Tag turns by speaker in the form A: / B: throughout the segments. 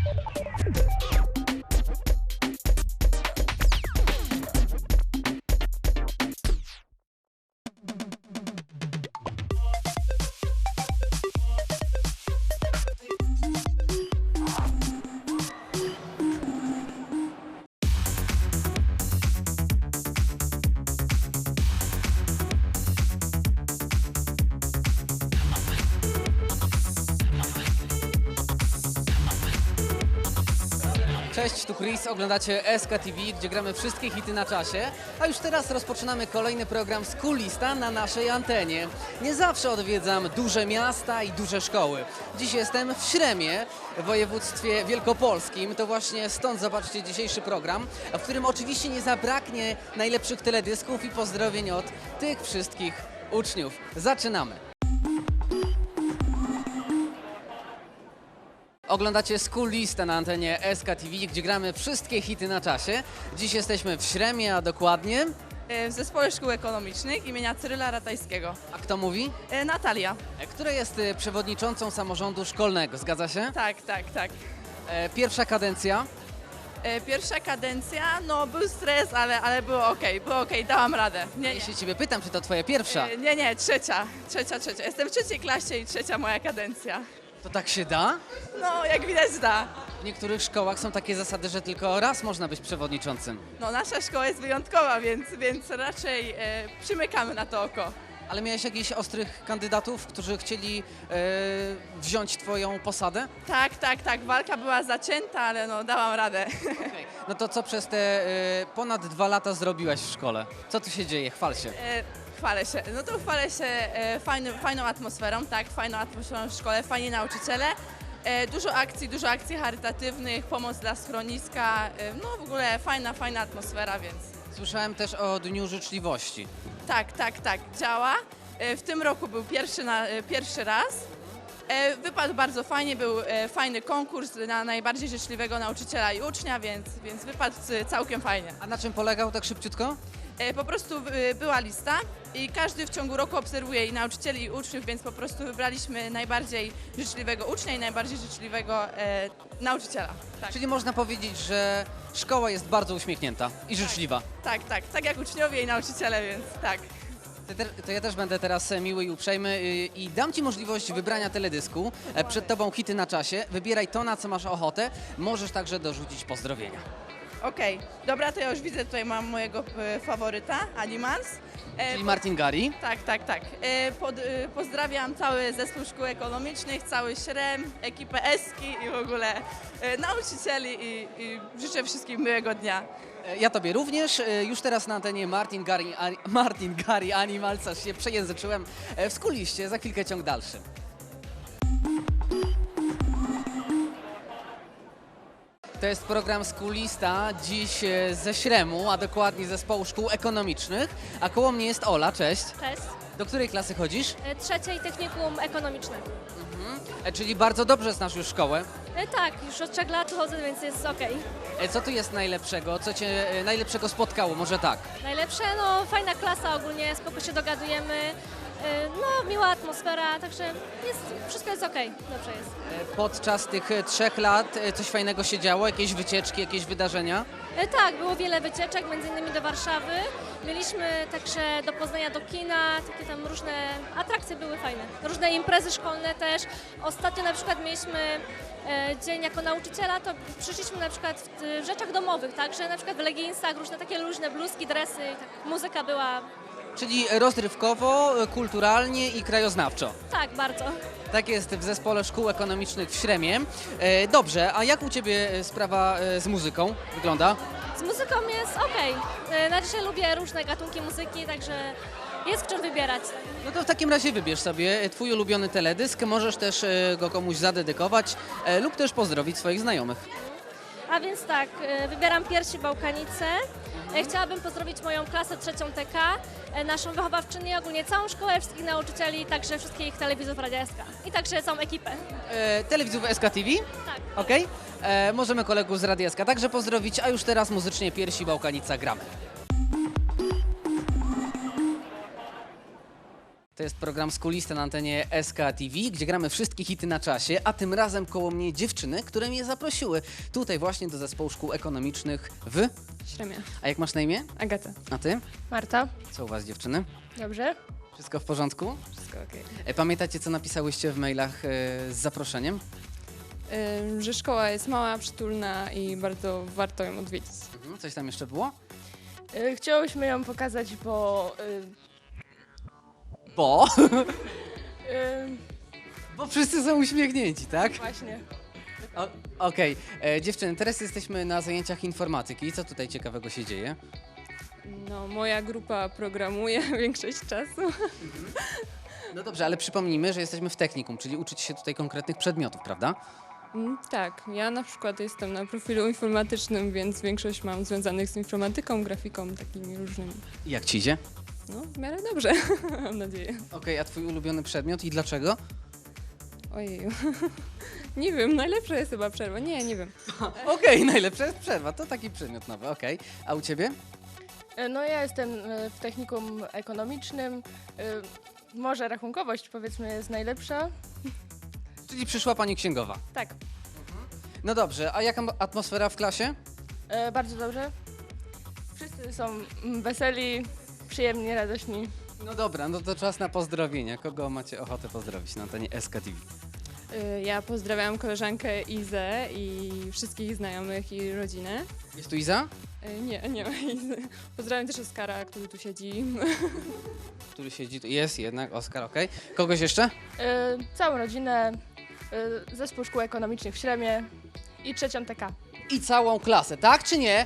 A: Cześć, tu Chris, oglądacie SK TV, gdzie gramy wszystkie hity na czasie, a już teraz rozpoczynamy kolejny program Schoolista na naszej antenie. Nie zawsze odwiedzam duże miasta i duże szkoły. Dziś jestem w Śremie, w województwie wielkopolskim. To właśnie stąd zobaczcie dzisiejszy program, w którym oczywiście nie zabraknie najlepszych teledysków i pozdrowień od tych wszystkich uczniów. Zaczynamy! Oglądacie Schoolista na antenie SK TV, gdzie gramy wszystkie hity na czasie. Dziś jesteśmy w Śremie, a dokładnie...
B: W Zespole Szkół Ekonomicznych imienia Cyryla Ratajskiego.
A: A kto mówi?
B: Natalia.
A: Która jest przewodniczącą samorządu szkolnego, zgadza się?
B: Tak, tak, tak.
A: Pierwsza kadencja.
B: Pierwsza kadencja, no był stres, ale było okej, dałam radę. Nie,
A: Jeśli ciebie pytam, czy to twoja pierwsza,
B: nie, trzecia. Jestem w trzeciej klasie i trzecia moja kadencja.
A: to tak się da?
B: No, jak widać da.
A: W niektórych szkołach są takie zasady, że tylko raz można być przewodniczącym.
B: No, nasza szkoła jest wyjątkowa, więc raczej przymykamy na to oko.
A: Ale miałeś jakichś ostrych kandydatów, którzy chcieli wziąć twoją posadę?
B: Tak, walka była zacięta, ale no, dałam radę.
A: Okej. No to co przez te ponad 2 lata zrobiłaś w szkole? Co tu się dzieje? Chwal się.
B: Chwalę się. No to chwalę się fajną atmosferą, tak, fajną atmosferą w szkole, fajni nauczyciele. Dużo akcji charytatywnych, pomoc dla schroniska, no w ogóle fajna atmosfera, więc
A: Słyszałem też o Dniu Życzliwości.
B: tak, działa. W tym roku był pierwszy raz. Wypadł bardzo fajnie, był fajny konkurs na najbardziej życzliwego nauczyciela i ucznia, więc wypadł całkiem fajnie.
A: A na czym polegał tak szybciutko?
B: Po prostu była lista i każdy w ciągu roku obserwuje i nauczycieli, i uczniów, więc po prostu wybraliśmy najbardziej życzliwego ucznia i najbardziej życzliwego nauczyciela. Tak.
A: Czyli można powiedzieć, że szkoła jest bardzo uśmiechnięta i życzliwa.
B: Tak jak uczniowie i nauczyciele, więc tak.
A: To ja też będę teraz miły i uprzejmy i dam ci możliwość wybrania teledysku. Przed tobą hity na czasie. Wybieraj to, na co masz ochotę. Możesz także dorzucić pozdrowienia.
B: Okej, dobra, to ja już widzę, tutaj mam mojego faworyta, Animals.
A: Czyli Martin Gari.
B: Tak. Pozdrawiam cały zespół szkół ekonomicznych, cały Śrem, ekipę Eski i w ogóle nauczycieli i życzę wszystkim miłego dnia.
A: Ja tobie również. Już teraz na antenie Martin Gari Animals, aż się przejęzyczyłem w Schooliście. Za chwilkę ciąg dalszy. To jest program Schoolista, dziś ze Śremu, a dokładnie Zespołu Szkół Ekonomicznych. A koło mnie jest Ola, cześć.
C: Cześć.
A: Do której klasy chodzisz?
C: Trzeciej technikum ekonomiczne.
A: Czyli bardzo dobrze znasz już szkołę.
C: Tak, już od 3 lat chodzę, więc jest okej.
A: Co tu jest najlepszego? Co cię najlepszego spotkało? Może tak.
C: Najlepsze, no fajna klasa ogólnie, spoko się dogadujemy, no miła atmosfera, także wszystko jest okej, dobrze jest.
A: Podczas tych 3 lat coś fajnego się działo? Jakieś wycieczki, jakieś wydarzenia?
C: Tak, było wiele wycieczek, między innymi do Warszawy. Mieliśmy także do Poznania, do kina, takie tam różne atrakcje były fajne. Różne imprezy szkolne też. Ostatnio na przykład mieliśmy dzień jako nauczyciela, to przyszliśmy na przykład w rzeczach domowych, tak, że na przykład w leginsach różne takie luźne bluzki, dresy, tak, muzyka była,
A: Czyli rozrywkowo, kulturalnie i krajoznawczo.
C: tak, bardzo.
A: Tak jest w Zespole Szkół Ekonomicznych w Śremie. Dobrze, a jak u Ciebie sprawa z muzyką wygląda?
C: Z muzyką jest okej. Znaczy lubię różne gatunki muzyki, także jest w czym wybierać.
A: No to w takim razie wybierz sobie Twój ulubiony teledysk, możesz też go komuś zadedykować lub też pozdrowić swoich znajomych.
C: A więc tak, wybieram Piersi Bałkanice. Chciałabym pozdrowić moją klasę 3 TK, naszą wychowawczynię, ogólnie całą szkołę, wszystkich nauczycieli, także wszystkich telewizów Radia SK i także całą ekipę.
A: Telewizów SK TV?
C: Tak.
A: Okej. Możemy kolegów z Radia SK także pozdrowić, a już teraz muzycznie Piersi Bałkanica gramy. To jest program Skulista na antenie SK TV, gdzie gramy wszystkie hity na czasie, a tym razem koło mnie dziewczyny, które mnie zaprosiły tutaj właśnie do zespołu szkół ekonomicznych w...
D: Śremia.
A: A jak masz na imię?
D: Agata.
A: A ty?
C: Marta.
A: Co u was, dziewczyny?
C: Dobrze.
A: Wszystko w porządku?
D: Wszystko okej.
A: Pamiętacie, co napisałyście w mailach z zaproszeniem?
D: Że szkoła jest mała, przytulna i bardzo warto ją odwiedzić.
A: Coś tam jeszcze było?
E: Chciałyśmy ją pokazać, bo
A: Bo...
E: y,
A: Bo wszyscy są uśmiechnięci, tak?
E: właśnie
A: Okej. Dziewczyny, teraz jesteśmy na zajęciach informatyki. Co tutaj ciekawego się dzieje?
D: No, moja grupa programuje większość czasu.
A: No dobrze, ale przypomnijmy, że jesteśmy w technikum, czyli uczycie się tutaj konkretnych przedmiotów, prawda?
D: Tak, ja na przykład jestem na profilu informatycznym, więc większość mam związanych z informatyką, grafiką, takimi różnymi.
A: I jak ci idzie?
D: No, w miarę dobrze, mam nadzieję.
A: Okej, a twój ulubiony przedmiot i dlaczego?
D: Ojeju. Nie wiem, najlepsza jest chyba przerwa. Nie wiem.
A: Okej, najlepsza jest przerwa, to taki przedmiot nowy, okej. A u ciebie?
E: no ja jestem w technikum ekonomicznym. Może rachunkowość powiedzmy jest najlepsza.
A: Czyli przyszła pani księgowa.
E: Tak,
A: No dobrze, a jaka atmosfera w klasie?
E: bardzo dobrze. Wszyscy są weseli, przyjemni, radośni.
A: No dobra, no to czas na pozdrowienia. Kogo macie ochotę pozdrowić na antenie SK TV?
D: Ja pozdrawiam koleżankę Izę i wszystkich znajomych i rodzinę.
A: Jest tu Iza?
D: Nie ma Izy. Pozdrawiam też Oskara, który tu siedzi.
A: Który siedzi tu. Jest jednak, Oskar, okej. Kogoś jeszcze?
E: Całą rodzinę, zespół szkół ekonomicznych w Śremie i trzecią TK.
A: I całą klasę, tak czy nie?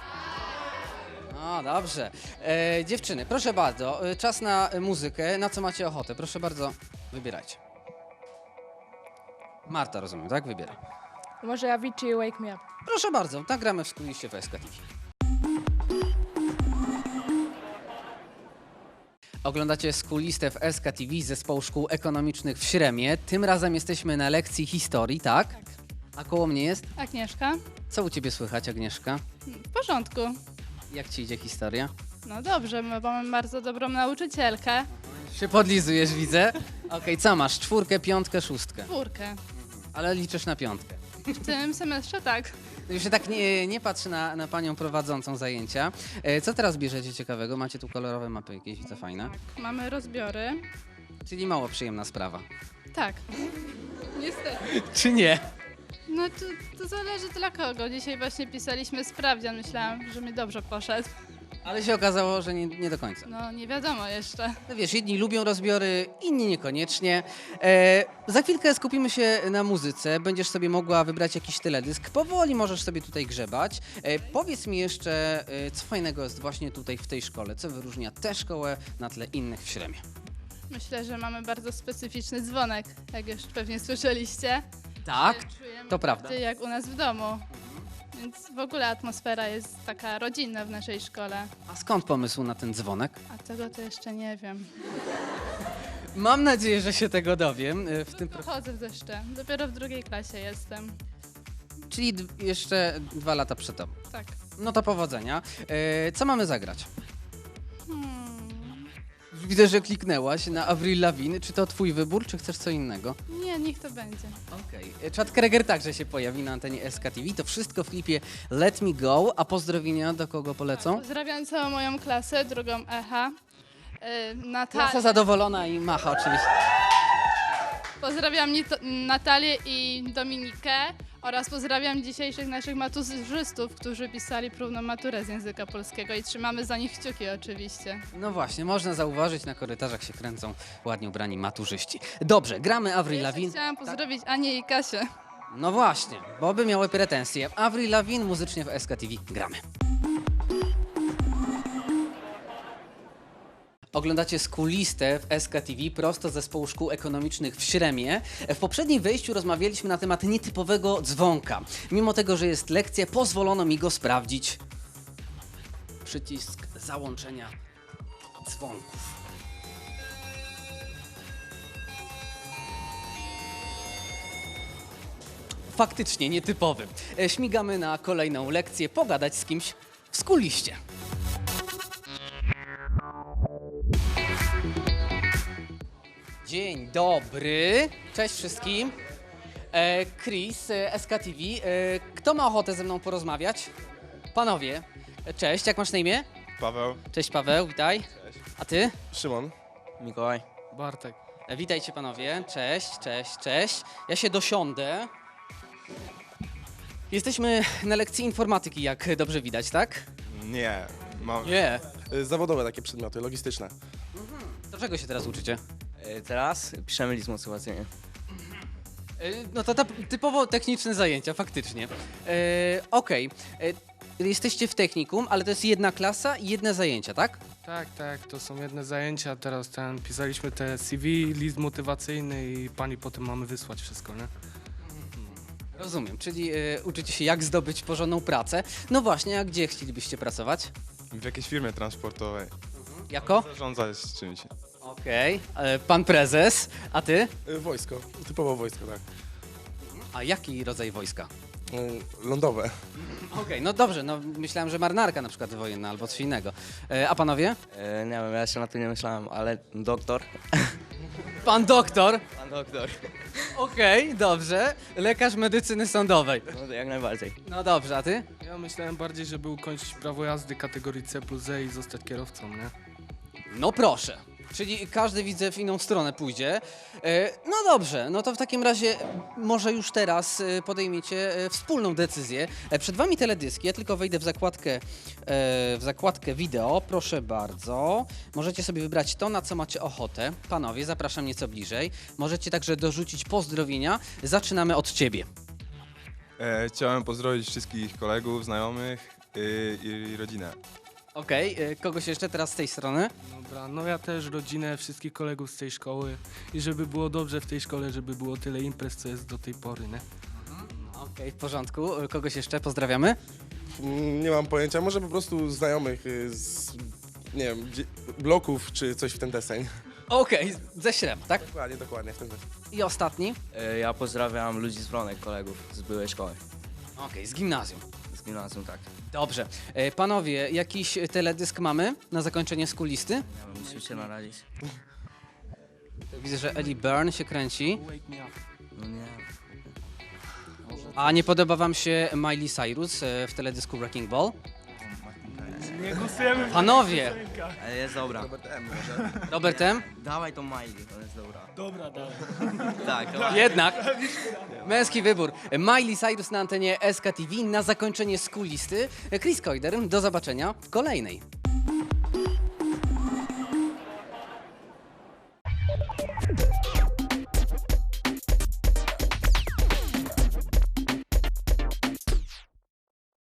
A: No dobrze. Dziewczyny, proszę bardzo, czas na muzykę. Na co macie ochotę? Proszę bardzo, wybierajcie. Marta, rozumiem, tak? Wybieraj.
E: Może Avicii Wake Me Up.
A: Proszę bardzo, tak gramy w Skuliście w SK TV. Oglądacie Skulistę w SK TV z zespołu szkół ekonomicznych w Śremie. Tym razem jesteśmy na lekcji historii, tak? Tak. A koło mnie jest?
F: Agnieszka?
A: Co u ciebie słychać, Agnieszka?
F: W porządku.
A: Jak ci idzie historia?
F: No dobrze, bo mamy bardzo dobrą nauczycielkę.
A: Się podlizujesz, widzę. Okej, co masz? 4, 5, 6.
F: Czwórkę.
A: Ale liczysz na 5.
F: W tym semestrze tak.
A: No już się tak nie patrzy na panią prowadzącą zajęcia. Co teraz bierzecie ciekawego? Macie tu kolorowe mapy jakieś, widzę, fajne.
F: Mamy rozbiory.
A: Czyli mało przyjemna sprawa.
F: Tak. Niestety.
A: Czy nie?
F: No to zależy dla kogo. Dzisiaj właśnie pisaliśmy sprawdzian. Myślałam, że mi dobrze poszedł.
A: Ale się okazało, że nie do końca.
F: No nie wiadomo jeszcze.
A: No wiesz, jedni lubią rozbiory, inni niekoniecznie. Za chwilkę skupimy się na muzyce. Będziesz sobie mogła wybrać jakiś teledysk. Powoli możesz sobie tutaj grzebać. Powiedz mi jeszcze, co fajnego jest właśnie tutaj w tej szkole? Co wyróżnia tę szkołę na tle innych w Śremie?
F: Myślę, że mamy bardzo specyficzny dzwonek, jak już pewnie słyszeliście.
A: Tak,
F: Czujemy
A: to prawda.
F: jak u nas w domu. Więc w ogóle atmosfera jest taka rodzinna w naszej szkole.
A: A skąd pomysł na ten dzwonek?
F: A tego to jeszcze nie wiem.
A: Mam nadzieję, że się tego dowiem w tym
F: Pochodzę jeszcze. Dopiero w drugiej klasie jestem.
A: Czyli jeszcze 2 lata przed tobą.
F: Tak.
A: No to powodzenia. Co mamy zagrać?
F: Hmm.
A: Widzę, że kliknęłaś na Avril Lavigne. Czy to twój wybór, czy chcesz co innego?
F: Nie, niech to będzie.
A: Okej. Chad Kreger także się pojawi na antenie SK TV. To wszystko w klipie Let Me Go. A pozdrowienia do kogo polecą?
F: Pozdrawiam całą moją klasę, drugą EH.
A: Klasa zadowolona i macha oczywiście.
F: Pozdrawiam Natalię i Dominikę oraz pozdrawiam dzisiejszych naszych maturzystów, którzy pisali próbną maturę z języka polskiego i trzymamy za nich kciuki oczywiście.
A: No właśnie, można zauważyć, na korytarzach się kręcą ładnie ubrani maturzyści. Dobrze, gramy Avril
F: Jeszcze
A: Lavigne.
F: chciałam pozdrowić Anię i Kasię.
A: No właśnie, bo by miały pretensje. Avril Lavigne muzycznie w SK TV. Gramy. Oglądacie Skulistę w SK TV prosto z zespołu szkół ekonomicznych w Śremie. W poprzednim wejściu rozmawialiśmy na temat nietypowego dzwonka. Mimo tego, że jest lekcja, pozwolono mi go sprawdzić. Przycisk załączenia dzwonków. Faktycznie nietypowy. Śmigamy na kolejną lekcję, pogadać z kimś w Skuliście. Dzień dobry, cześć wszystkim. Chris, SKTV. Kto ma ochotę ze mną porozmawiać? Panowie, cześć, jak masz na imię?
G: Paweł.
A: Cześć Paweł, witaj. A ty?
G: Szymon.
H: Mikołaj.
I: Bartek.
A: Witajcie panowie, cześć, cześć, cześć. Ja się dosiądę. Jesteśmy na lekcji informatyki, jak dobrze widać, tak?
G: Nie. Mam...
A: Nie.
G: Zawodowe takie przedmioty, logistyczne.
A: Do czego się teraz uczycie?
H: Teraz piszemy list motywacyjny.
A: No to typowo techniczne zajęcia, faktycznie. Okej. Jesteście w technikum, ale to jest jedna klasa i jedne zajęcia, tak?
I: Tak, to są jedne zajęcia. Teraz pisaliśmy te CV, list motywacyjny i pani potem mamy wysłać wszystko, nie?
A: Rozumiem, czyli uczycie się jak zdobyć porządną pracę. No właśnie, a gdzie chcielibyście pracować?
G: W jakiejś firmie transportowej.
A: Jako?
G: Zarządzać czymś.
A: Okej. Pan prezes, a ty?
G: Wojsko. Typowo wojsko, tak.
A: A jaki rodzaj wojska?
G: Lądowe.
A: Okej, no dobrze, no myślałem, że marynarka na przykład wojenna albo coś innego. A panowie?
H: Nie wiem, ja jeszcze na to nie myślałem, ale doktor.
A: Pan doktor.
H: Pan doktor.
A: Okej, dobrze. Lekarz medycyny sądowej.
H: No to jak najbardziej.
A: No dobrze, a ty?
I: Ja myślałem bardziej, żeby ukończyć prawo jazdy kategorii C+E i zostać kierowcą, nie?
A: No proszę. Czyli każdy, widzę, w inną stronę pójdzie. No dobrze, no to w takim razie może już teraz podejmiecie wspólną decyzję. Przed wami teledyski, ja tylko wejdę w zakładkę wideo, proszę bardzo. Możecie sobie wybrać to, na co macie ochotę. Panowie, zapraszam nieco bliżej. Możecie także dorzucić pozdrowienia. Zaczynamy od ciebie.
G: Chciałem pozdrowić wszystkich kolegów, znajomych i rodzinę.
A: Okej, kogoś jeszcze teraz z tej strony?
I: Dobra, no ja też rodzinę, wszystkich kolegów z tej szkoły i żeby było dobrze w tej szkole, żeby było tyle imprez, co jest do tej pory, nie?
A: Okej, w porządku. Kogoś jeszcze pozdrawiamy?
G: Nie mam pojęcia, może po prostu znajomych z, nie wiem, bloków czy coś w ten deseń.
A: Okej, ze Śrem, tak?
G: Dokładnie, w ten deseń.
A: I ostatni?
H: Ja pozdrawiam ludzi z Wronek, kolegów z byłej szkoły.
A: Okej, z gimnazjum.
H: Z gimnazjum, tak.
A: Dobrze. Panowie, jakiś teledysk mamy na zakończenie skulisty?
H: Nie wiem, musimy się naradzić.
A: Widzę, że Ellie Byrne się kręci.
I: Wake me up.
H: No nie.
A: A nie podoba wam się Miley Cyrus w teledysku Wrecking Ball?
I: Nie głosujemy.
A: Panowie!
H: Ale jest dobra.
A: Robert M?
H: Dawaj tą Miley, to jest dobra.
I: Dobra, dawaj.
H: Tak, dawaj.
A: Jednak. Męski wybór. Miley Cyrus na antenie SKTV na zakończenie skulisty. Chris Koider, do zobaczenia w kolejnej.